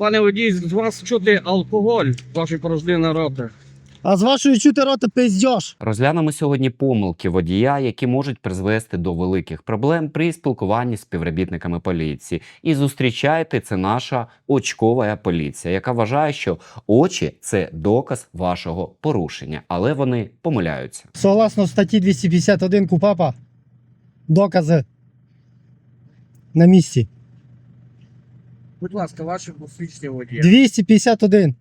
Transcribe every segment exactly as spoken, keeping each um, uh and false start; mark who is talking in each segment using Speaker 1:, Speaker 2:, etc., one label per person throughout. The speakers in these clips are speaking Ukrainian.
Speaker 1: Пане водій, з вас чути алкоголь в вашій порожнини роти.
Speaker 2: А з вашої чути рота пиздьош.
Speaker 3: Розглянемо сьогодні помилки водія, які можуть призвести до великих проблем при спілкуванні з співробітниками поліції. І зустрічайте, це наша очкова поліція, яка вважає, що очі – це доказ вашого порушення, але вони помиляються.
Speaker 2: Согласно статті двісті п'ятдесят один КУпАПа, докази на місці.
Speaker 1: Будь ласка, ваше посвідчення водія.
Speaker 2: двісті п'ятдесят один.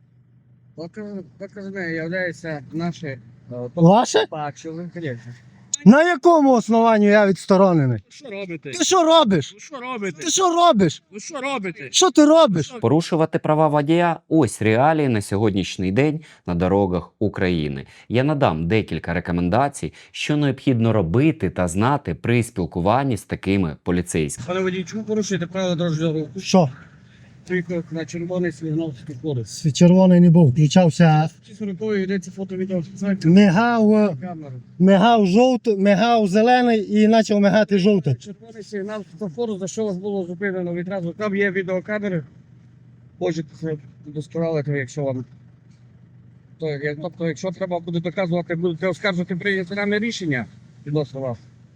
Speaker 1: Доказами являються наші... е,
Speaker 2: Ваше?
Speaker 1: бачили, звісно.
Speaker 2: На якому основанні я відсторонений?
Speaker 1: Що робите?
Speaker 2: Ти що робиш?
Speaker 1: Ви що робите?
Speaker 2: Ти що робиш?
Speaker 1: Ви що робите?
Speaker 2: Що ти робиш?
Speaker 3: Порушувати права водія – ось реалії на сьогоднішній день на дорогах України. Я надам декілька рекомендацій, що необхідно робити та знати при спілкуванні з такими поліцейськими.
Speaker 1: Пане водій, чому порушуєте правила дорожнього руху?
Speaker 2: Що?
Speaker 1: Приїхав на червоний світлофорський кодекс.
Speaker 2: Червоний не був, включався,
Speaker 1: Ці сорокової йдеться фото-відео фіксація.
Speaker 2: мигав, е,
Speaker 1: Камеру.
Speaker 2: мигав жовтий, мигав зелений і почав мигати жовтий.
Speaker 1: Червоний сигнал світлофору, за що вас було зупинено відразу. Там є відеокамери. Можете це удосконалити, якщо вам. То, як- тобто, якщо треба буде доказувати, будете оскаржувати прийняти нами рішення відносно вас.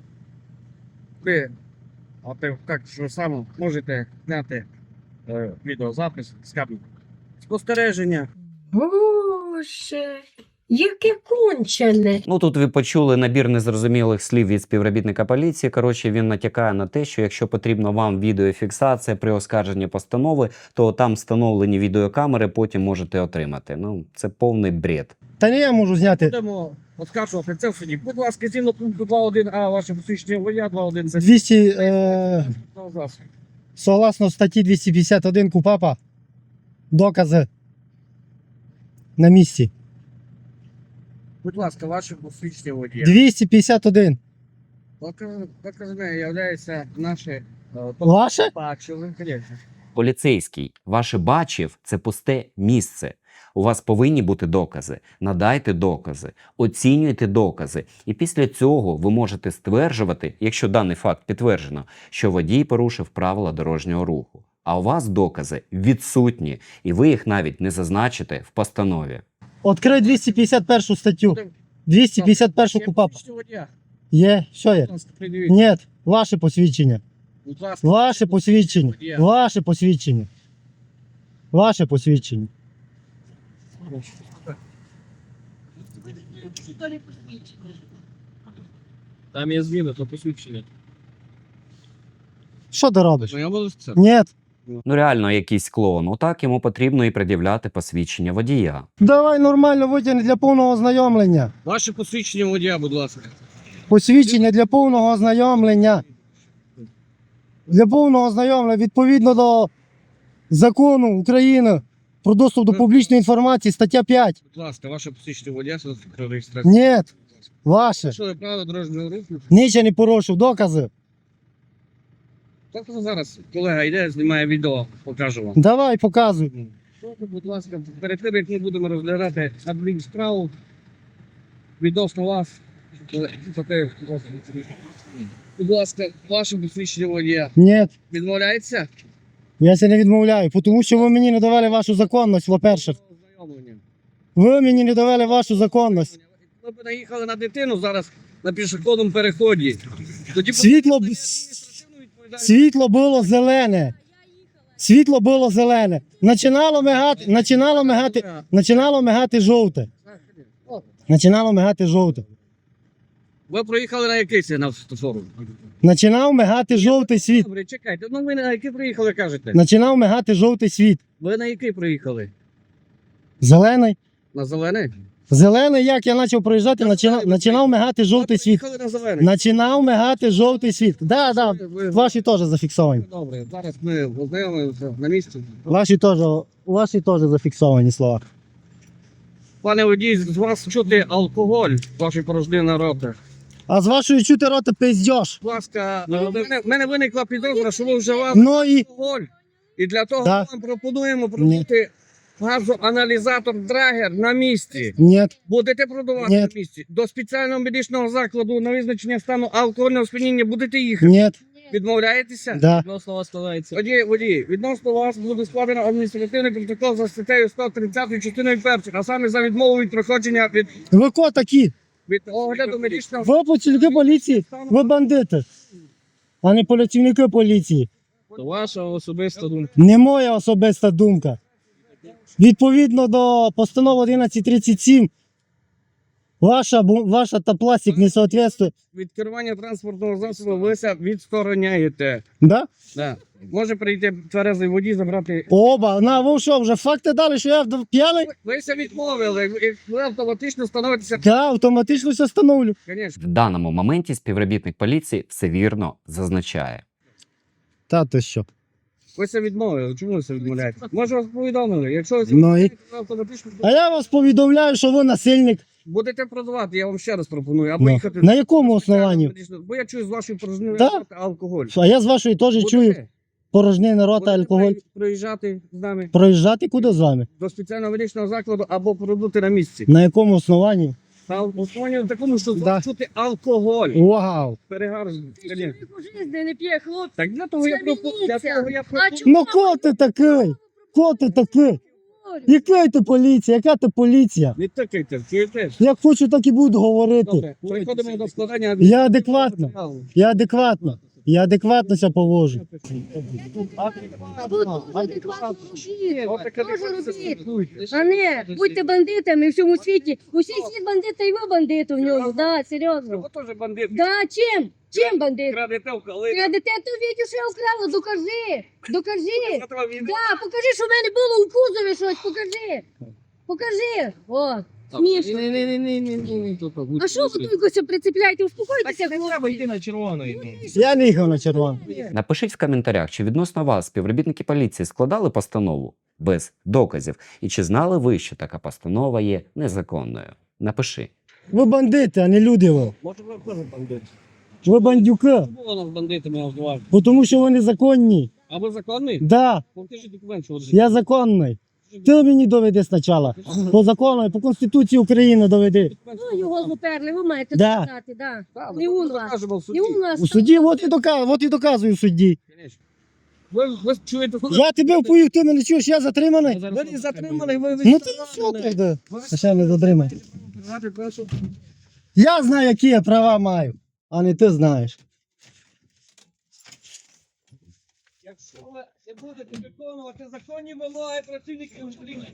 Speaker 1: Ви, а ти так що саме можете зняти е, відеозапис з камери. Спостереження.
Speaker 4: Боже, яке кончене.
Speaker 3: Ну, тут ви почули набір незрозумілих слів від співробітника поліції. Коротше, він натякає на те, що якщо потрібна вам відеофіксація при оскарженні постанови, то там встановлені відеокамери, потім можете отримати. Ну, це повний бред.
Speaker 2: Та ні, я можу зняти.
Speaker 1: Будемо оскаржувати це в суді. Будь ласка, згідно пункту два один а ваше посвідчення водія два один це
Speaker 2: двісті, е,
Speaker 1: засіб.
Speaker 2: согласно статті двісті п'ятдесят один КУпАПа, докази на місці.
Speaker 1: Будь ласка, ваше посвідчення водія.
Speaker 2: двісті п'ятдесят один.
Speaker 1: Доказами являються наші е,
Speaker 2: Ваше?
Speaker 1: бачили, звісно.
Speaker 3: Поліцейський, ваше бачив – це пусте місце. У вас повинні бути докази. Надайте докази, оцінюйте докази. І після цього ви можете стверджувати, якщо даний факт підтверджено, що водій порушив правила дорожнього руху. А у вас докази відсутні, і ви їх навіть не зазначите в постанові.
Speaker 2: Открий двісті п'ятдесят першу статтю. двісті п'ятдесят першу
Speaker 1: Ще
Speaker 2: КУпАПа.
Speaker 1: посвідчення водія.
Speaker 2: Є, що є?
Speaker 1: Будь ласка, придивіть.
Speaker 2: Ні, ваше посвідчення.
Speaker 1: Будь ласка.
Speaker 2: Ваше посвідчення. Ваше посвідчення. Ваше посвідчення.
Speaker 1: Там є зміни, то посвідчення.
Speaker 2: Що ти робиш?
Speaker 1: Ну, я буду це.
Speaker 2: Ні.
Speaker 3: Ну реально якийсь клоун. Отак йому потрібно і пред'являти посвідчення водія.
Speaker 2: Давай нормально витягни для повного ознайомлення.
Speaker 1: Ваше посвідчення водія, будь ласка.
Speaker 2: Посвідчення для повного ознайомлення. Для повного ознайомлення відповідно до закону України про доступ до публічної інформації, стаття п'ять.
Speaker 1: Будь ласка, ваше посвідчення водія, це про реєстрацію.
Speaker 2: Ні, ваше.
Speaker 1: Що ви правила дорожнього руху?
Speaker 2: Нічого не порушив, докази.
Speaker 1: Так зараз колега йде, знімає відео, покажу вам.
Speaker 2: Давай, показуй.
Speaker 1: Прошу, будь ласка, перед тим, як ми будемо розглядати адмінсправу відносно вас, за те, будь ласка, ваше посвідчення водія
Speaker 2: Ні,
Speaker 1: відмовляється?
Speaker 2: я це не відмовляю, тому що ви мені не давали вашу законність, по-перше.
Speaker 1: Ознайомлення.
Speaker 2: Ви мені не давали вашу законність.
Speaker 1: Ми б наїхали на дитину зараз на пішохідному переході. Тоді б-
Speaker 2: Світло, б- світло було зелене. Світло було зелене. Начинало мигати, начинало мигати, начинало мигати жовте. Начинало мигати жовте.
Speaker 1: Ви проїхали на який сигнал світлофору?
Speaker 2: Начинав мигати жовтий світ.
Speaker 1: Добре, чекайте, ну ви на який приїхали, кажете?
Speaker 2: Начинав мигати жовтий світ.
Speaker 1: Ви на який приїхали?
Speaker 2: Зелений.
Speaker 1: На зелений?
Speaker 2: Зелений, як я почав проїжджати, начинав, начинав мигати жовтий
Speaker 1: Ви
Speaker 2: світ.
Speaker 1: приїхали на зелений?
Speaker 2: Начинав мигати жовтий світ. Да, да,
Speaker 1: Ви-
Speaker 2: ваші теж зафіксовані.
Speaker 1: Добре, зараз ми ознайомимося на місці.
Speaker 2: Ваші теж, ваші теж зафіксовані слова.
Speaker 1: Пане водій, з вас чути алкоголь в вашій порожнини роти.
Speaker 2: А з вашої чути рота пиздьош.
Speaker 1: Будь ласка, в мене, в мене виникла підозра, що ви вживали
Speaker 2: Ну і
Speaker 1: алкоголь. І для того
Speaker 2: Да.
Speaker 1: вам пропонуємо продати газоаналізатор Драгер на місці.
Speaker 2: ні,
Speaker 1: Будете продавати
Speaker 2: Ні.
Speaker 1: на місці. До спеціального медичного закладу на визначення стану алкогольного сп'яніння будете їхати.
Speaker 2: ні,
Speaker 1: Відмовляєтеся?
Speaker 2: Да.
Speaker 5: Відносно вас складається.
Speaker 1: Водій, водій, відносно вас буде складено адміністративний протокол за статтею сто тридцять частиною першою, а саме за відмову від проходження від,
Speaker 2: Ви хто такі?
Speaker 1: від огляду медичного
Speaker 2: Ви працівники поліції? Ви бандити, а не працівники поліції.
Speaker 5: То ваша особиста думка.
Speaker 2: Не моя особиста думка. Відповідно до постанови одинадцять тридцять сім, ваша, бу- ваша та пластик не соответствує.
Speaker 1: від керування транспортного засобу ви ся відстороняєте.
Speaker 2: Да?
Speaker 1: Да. Може прийти тверезий водій, забрати.
Speaker 2: Оба, на, ви що, вже факти дали, що я вд- п'яний?
Speaker 1: Ви ся відмовили, і ви автоматично становитеся.
Speaker 2: Да, автоматично все встановлю.
Speaker 1: Звісно.
Speaker 3: В даному моменті співробітник поліції все вірно зазначає.
Speaker 2: Та ти що?
Speaker 1: Ви ся відмовили. Чому ви ся відмовляєте? Може вас повідомили. Якщо ви ся
Speaker 2: Ну і-
Speaker 1: відмовляєте, ви автоматично
Speaker 2: А я вас повідомляю, що ви насильник.
Speaker 1: будете продавати, я вам ще раз пропоную. Або
Speaker 2: Ну.
Speaker 1: їхати.
Speaker 2: На якому основанні?
Speaker 1: Бо я чую з вашої порожнини
Speaker 2: Да.
Speaker 1: алкоголь.
Speaker 2: А я з вашої теж чую
Speaker 1: Будете?
Speaker 2: порожнини рота,
Speaker 1: Будете
Speaker 2: алкоголь.
Speaker 1: проїжджати з нами
Speaker 2: Проїжджати куди з вами?
Speaker 1: до спеціального медичного закладу або пробути на місці.
Speaker 2: На якому основанні?
Speaker 1: Та основанні такому, що
Speaker 2: Да.
Speaker 1: чути алкоголь.
Speaker 2: Вау!
Speaker 1: Перегар.
Speaker 4: Чоловік у житті не п'є, хлопці.
Speaker 1: Так для того я
Speaker 4: Це
Speaker 1: пропоную. Для
Speaker 4: міліція.
Speaker 1: того я
Speaker 4: А
Speaker 1: пропоную.
Speaker 4: чому
Speaker 2: Ну хто ти такий? Хто ти такий? Яка ти поліція? Яка ти поліція?
Speaker 1: Не тикайте, чуєте?
Speaker 2: Як хочу, так і буду говорити.
Speaker 1: Добре, переходимо до складання.
Speaker 2: Я адекватно. Я адекватно. Я адекватно себе поводжу.
Speaker 4: А ви адекватно робіть.
Speaker 1: Отаке
Speaker 4: Теж
Speaker 1: адекватно
Speaker 4: робіть.
Speaker 1: робіть.
Speaker 4: А не, будьте бандитами в всьому світі. Усі світ бандити, і ви бандити в ньому. Да, серйозно.
Speaker 1: Ви теж бандит.
Speaker 4: Да, чим? Чим бандит?
Speaker 1: Крадете в коли.
Speaker 4: Крадете, то відео, що я вкрала, докажи. Докажи.
Speaker 1: Завтра він-
Speaker 4: Да, покажи, що в мене було у кузові щось, покажи. Покажи. О, смішно.
Speaker 5: Ні, ні, ні, ні, ні, ні, ні, тут так,
Speaker 4: А що ви тут якось прицепляєте? Успокойтеся,
Speaker 5: Так не треба йти на червоний.
Speaker 2: Я не їхав на червоно.
Speaker 3: Напишіть в коментарях, чи відносно вас співробітники поліції складали постанову без доказів, і чи знали ви, що така постанова є незаконною. Напиши.
Speaker 2: Ви бандити, а не люди ви.
Speaker 1: Може ви теж бандит.
Speaker 2: Ви бандюки.
Speaker 1: Було нас бандитами, я вживав.
Speaker 2: Бо тому що ви незаконні.
Speaker 1: А ви законний?
Speaker 2: Да,
Speaker 1: Покажіть документ, що ви
Speaker 2: я законний. Ти мені доведи спочатку. По закону, по Конституції України доведи.
Speaker 4: Ну, його зуперли, ви маєте
Speaker 2: Да.
Speaker 4: сказати, да.
Speaker 1: Так,
Speaker 4: Не
Speaker 1: ми
Speaker 4: у вас.
Speaker 1: покажемо в суді.
Speaker 4: Не у нас.
Speaker 2: У суді, от і доказую, от і доказую судді.
Speaker 1: Конечно. Ви, ви чуєте, коли...
Speaker 2: Я тебе впою, ти мене чуєш, я затриманий.
Speaker 1: Ви не затримали, ви
Speaker 2: Ну ти що ти? А ще не затриманий. Я знаю, які я права маю, а не ти знаєш.
Speaker 1: Якщо ви не будете виконувати законні вимоги працівників поліції,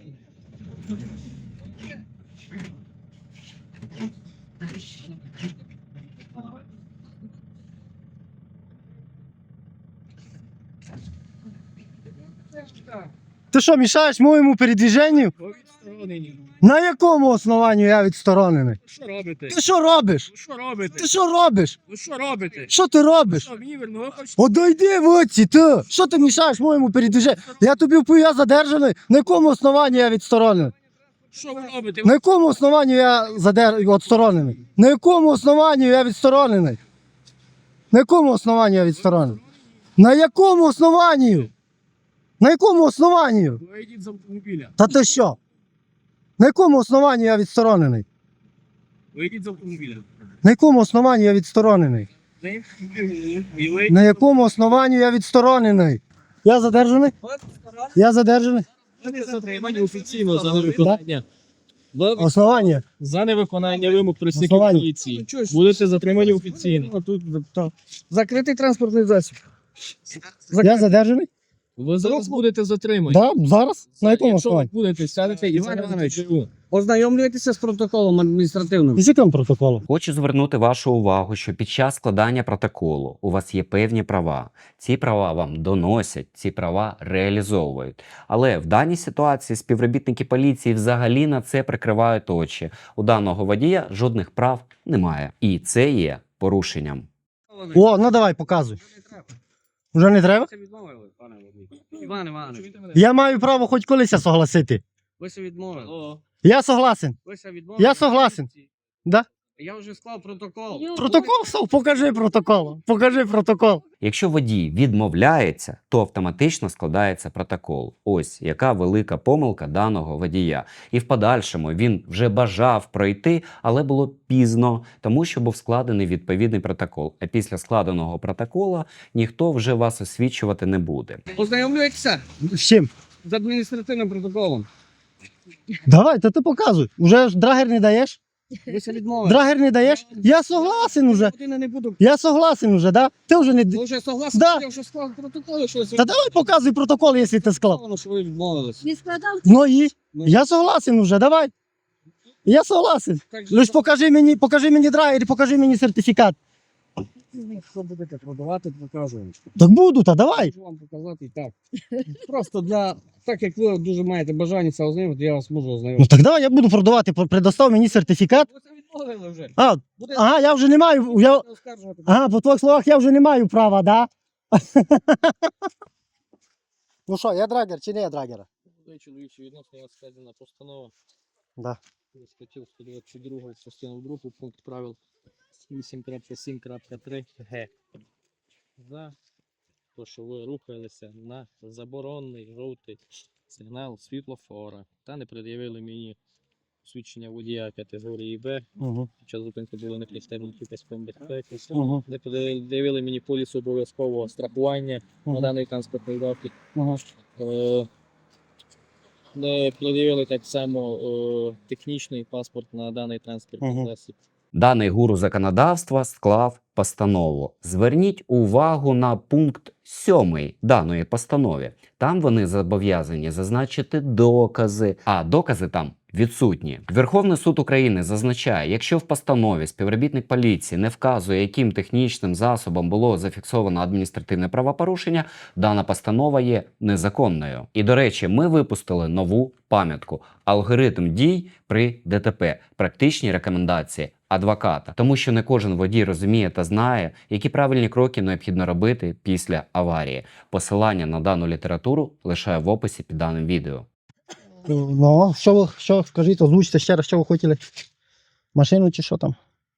Speaker 2: Ти що, мішаєш моєму передвіженню?
Speaker 5: Ви відсторонені.
Speaker 2: На якому основанні я відсторонений?
Speaker 5: Що робите?
Speaker 2: Ти що робиш?
Speaker 5: Ви що робите?
Speaker 2: Ти що робиш?
Speaker 5: Ви що робите?
Speaker 2: Що ти робиш?
Speaker 5: Що, мені вірно, ви хочете?
Speaker 2: Одойди в оці, ти! Що ти мішаєш моєму передвіженню? Я тобі впою, я задержаний. На якому основанні я відсторонений?
Speaker 5: Що ви робите?
Speaker 2: На якому основанні я задер... відсторонений? На якому основанні я відсторонений? На якому основанні я відсторонений? На якому основанні? На якому основанні?
Speaker 5: Ви йдіть з автомобіля.
Speaker 2: Та ти що? На якому основанні я відсторонений?
Speaker 5: Ви йдіть з автомобіля.
Speaker 2: На якому основанні я відсторонений?
Speaker 5: Ви- І ви
Speaker 2: На якому основанні я відсторонений? Я задержаний? Я задержаний?
Speaker 5: будете затримані офіційно за невиконання. Ви
Speaker 2: Основання?
Speaker 5: за невиконання вимог працівників
Speaker 2: Основання.
Speaker 5: поліції. Будете затримані офіційно.
Speaker 1: Ну, тут, та, закритий транспортний засіб.
Speaker 2: Я задержаний?
Speaker 5: Ви зараз будете затримані.
Speaker 2: Так, да? Зараз? На якому
Speaker 5: Якщо ви
Speaker 2: основанні?
Speaker 5: будете сядете і
Speaker 1: Іван
Speaker 5: зараз
Speaker 1: Іванович.
Speaker 5: живу.
Speaker 1: Ознайомлюєтеся з протоколом адміністративним.
Speaker 2: З яким протоколом?
Speaker 3: Хочу звернути вашу увагу, що під час складання протоколу у вас є певні права. Ці права вам доносять, ці права реалізовують. Але в даній ситуації співробітники поліції взагалі на це прикривають очі. У даного водія жодних прав немає. І це є порушенням.
Speaker 2: О, ну давай, показуй. Вже не треба?
Speaker 1: Ви відмовили, пане водій. Іван Іванович,
Speaker 2: Я маю право хоч колись согласити.
Speaker 1: ви се відмовили.
Speaker 5: О,
Speaker 2: Я согласен.
Speaker 1: Ви се відмовили.
Speaker 2: Я согласен. Да?
Speaker 1: Я вже склав протокол.
Speaker 4: Йо,
Speaker 2: Протокол став? Покажи протокол. Покажи протокол.
Speaker 3: Якщо водій відмовляється, то автоматично складається протокол. Ось яка велика помилка даного водія. І в подальшому він вже бажав пройти, але було пізно, тому що був складений відповідний протокол. А після складеного протокола ніхто вже вас освічувати не буде.
Speaker 1: Ознайомлюєтеся
Speaker 2: З чим?
Speaker 1: з адміністративним протоколом.
Speaker 2: Давай, та ти показуй. Уже ж драгер не даєш?
Speaker 1: Ви це відмовили.
Speaker 2: Драгер не даєш? Я согласен уже.
Speaker 1: Години не буду.
Speaker 2: Я согласен уже, да? Ти вже не...
Speaker 1: Ви вже согласні,
Speaker 2: Да.
Speaker 1: я вже склав протокол, що
Speaker 2: Та давай показуй протокол, якщо ти склав.
Speaker 1: сказано, що ви відмовились.
Speaker 4: Він складав
Speaker 2: Ну і?
Speaker 1: Ну,
Speaker 2: Я согласен уже, давай. Я согласен.
Speaker 1: так же,
Speaker 2: Лиш покажи мені, покажи мені драгер і покажи мені сертифікат.
Speaker 1: Якщо будете продавати, покажу.
Speaker 2: Так буду, та давай.
Speaker 1: Можу вам показати і так. Просто для... Так як ви дуже маєте бажання це ознайомити, я вас можу
Speaker 2: Ну
Speaker 1: ознайомити.
Speaker 2: так давай, я буду продавати, предостав мені сертифікат.
Speaker 1: Ви це відмовили вже.
Speaker 2: А,
Speaker 1: Буде
Speaker 2: ага, я вже не маю, я,
Speaker 1: оскаржувати.
Speaker 2: ага, по твоїх словах я вже не маю права, да? Ну що, я драгер чи не я драгера?
Speaker 5: Чоловічі відносно у вас складена постанова.
Speaker 2: Да.
Speaker 5: Статтю сто двадцять два, частину другу, пункт правил вісім крапка сім крапка три ге. За те, що ви рухалися на заборонений жовтий сигнал світлофора та не пред'явили мені свідчення водія категорії Б.
Speaker 2: Угу.
Speaker 5: Під час зупинки були не пристебнуті паском безпеки.
Speaker 2: Угу.
Speaker 5: Не пред'явили мені поліс обов'язкового страхування на
Speaker 2: Угу.
Speaker 5: даний транспортний засіб.
Speaker 2: Угу.
Speaker 5: Е, Не пред'явили так само е, технічний паспорт на даний транспортний
Speaker 2: Мгм.
Speaker 5: засіб.
Speaker 3: Даний гуру законодавства склав постанову. Зверніть увагу на пункт сьомий даної постанови. Там вони зобов'язані зазначити докази, а докази там відсутні. Верховний суд України зазначає, якщо в постанові співробітник поліції не вказує, яким технічним засобом було зафіксовано адміністративне правопорушення, дана постанова є незаконною. І, до речі, ми випустили нову пам'ятку «Алгоритм дій при ДТП. Практичні рекомендації адвоката». Тому що не кожен водій розуміє та знає, які правильні кроки необхідно робити після аварії. Посилання на дану літературу лишаю в описі під даним відео.
Speaker 2: Ну, що ви, що, скажіть, озвучте ще раз, що ви хотіли? Машину чи що там?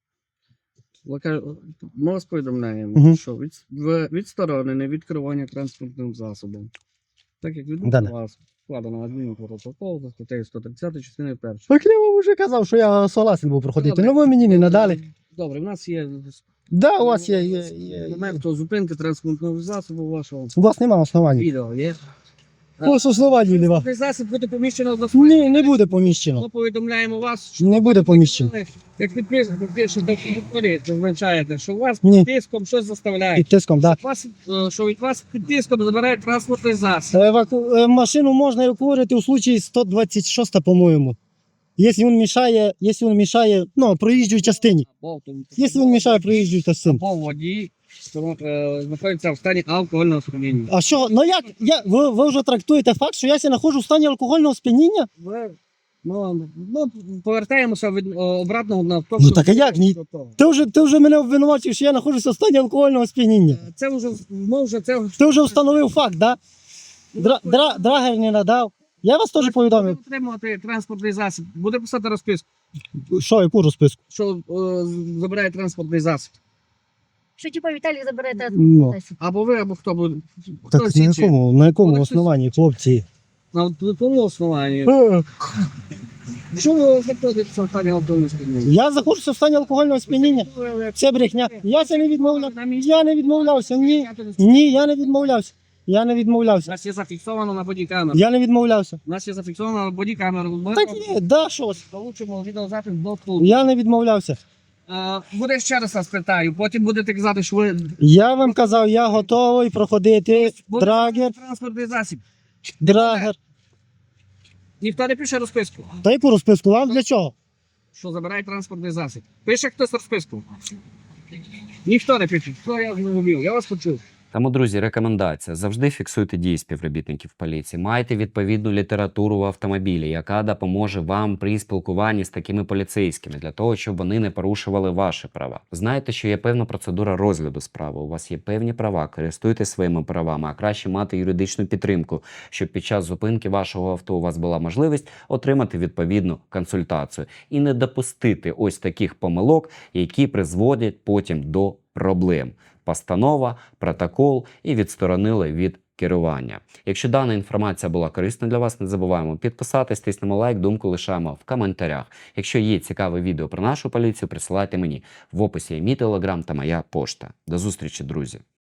Speaker 1: Ми вас повідомляємо,
Speaker 2: Мгм.
Speaker 1: що від, в- відсторонене від керування транспортним засобом. Так як відносно
Speaker 2: Да-да.
Speaker 1: вас складено адмінпротокол за статтею сто тридцять частини першої.
Speaker 2: Так я вам вже казав, що я согласен був проходити.
Speaker 1: Добре.
Speaker 2: Ну ви мені не надали.
Speaker 1: Добре, в нас є
Speaker 2: Да, у вас є, є, є.
Speaker 1: момент до зупинки транспортного засобу вашого.
Speaker 2: У вас нема основань.
Speaker 1: Відео є.
Speaker 2: Ось основань нема.
Speaker 1: Транспортний засіб буде поміщено до
Speaker 2: Ні, не буде поміщено.
Speaker 1: Ми повідомляємо вас, що
Speaker 2: Не буде поміщено.
Speaker 1: як підписано, пишете в протоколі, зазначаєте, що у вас
Speaker 2: Ні.
Speaker 1: під тиском щось заставляє.
Speaker 2: Під тиском, так.
Speaker 1: Вас, е, що від вас під тиском забирають транспортний засіб.
Speaker 2: Да. Еваку... е, Машину можна евакуювати у случаї сто двадцять шість, по-моєму. Якщо він мішає, якщо він мішає, ну, проїжджій частині.
Speaker 1: Або,
Speaker 2: Якщо він мішає проїжджій частині.
Speaker 1: або водій, що е, знаходиться в стані алкогольного сп'яніння.
Speaker 2: А що, ну як, я, ви, ви вже трактуєте факт, що я ся знаходжу в стані алкогольного сп'яніння?
Speaker 1: Ми, ну, ну, повертаємося від е, обратного на то,
Speaker 2: Ну,
Speaker 1: що-
Speaker 2: так а як? Ні. Ти вже, ти вже мене обвинувачив, що я знаходжуся в стані алкогольного сп'яніння.
Speaker 1: Е, Це вже, ми вже це
Speaker 2: Ти вже встановив факт, да? Дра, дра, драгер не надав. Я вас теж повідомив.
Speaker 1: Буде отримувати транспортний засіб, буде писати розписку,
Speaker 2: Що, яку розписку?
Speaker 1: що е, забирає транспортний засіб.
Speaker 4: що типа Віталій забере та
Speaker 2: Ну.
Speaker 1: Або ви, або хто буде. Хто
Speaker 2: Так на
Speaker 1: слідчий?
Speaker 2: якому, на якому
Speaker 1: Буде
Speaker 2: основанні, хлопці?
Speaker 1: На якому основанні?
Speaker 2: Е,
Speaker 1: Що ви знаходитеся в стані алкогольного сп'яніння?
Speaker 2: Я знаходжуся в стані алкогольного сп'яніння. Це брехня. Я це не відмовляв. Я не відмовлявся. Ні. Ні, я не відмовлявся. Я не
Speaker 1: У
Speaker 2: відмовлявся.
Speaker 1: нас є зафіксовано на бодікамеру.
Speaker 2: Я не відмовлявся.
Speaker 1: У нас є зафіксовано на бодікамеру. Ми
Speaker 2: Так ні, да, щось.
Speaker 1: получимо відеозапис до суду.
Speaker 2: Я не відмовлявся.
Speaker 1: Е, Буде ще раз вас питаю, потім будете казати, що ви
Speaker 2: Я вам казав, я готовий проходити
Speaker 1: буде
Speaker 2: драгер,
Speaker 1: транспортний засіб.
Speaker 2: драгер.
Speaker 1: Ніхто не пише розписку,
Speaker 2: Та яку розписку? Вам для чого?
Speaker 1: що забирає транспортний засіб. Пише хтось розписку. Ніхто не пише. Що я зрозумів? Я вас почув.
Speaker 3: Тому, друзі, рекомендація. Завжди фіксуйте дії співробітників поліції. Майте відповідну літературу в автомобілі, яка допоможе вам при спілкуванні з такими поліцейськими, для того, щоб вони не порушували ваші права. Знаєте, що є певна процедура розгляду справи. У вас є певні права, користуйтесь своїми правами, а краще мати юридичну підтримку, щоб під час зупинки вашого авто у вас була можливість отримати відповідну консультацію і не допустити ось таких помилок, які призводять потім до проблем. Постанова, протокол і відсторонили від керування. Якщо дана інформація була корисна для вас, не забуваємо підписатись, тиснемо лайк, думку лишаємо в коментарях. Якщо є цікаве відео про нашу поліцію, присилайте мені. В описі є мій телеграм та моя пошта. До зустрічі, друзі!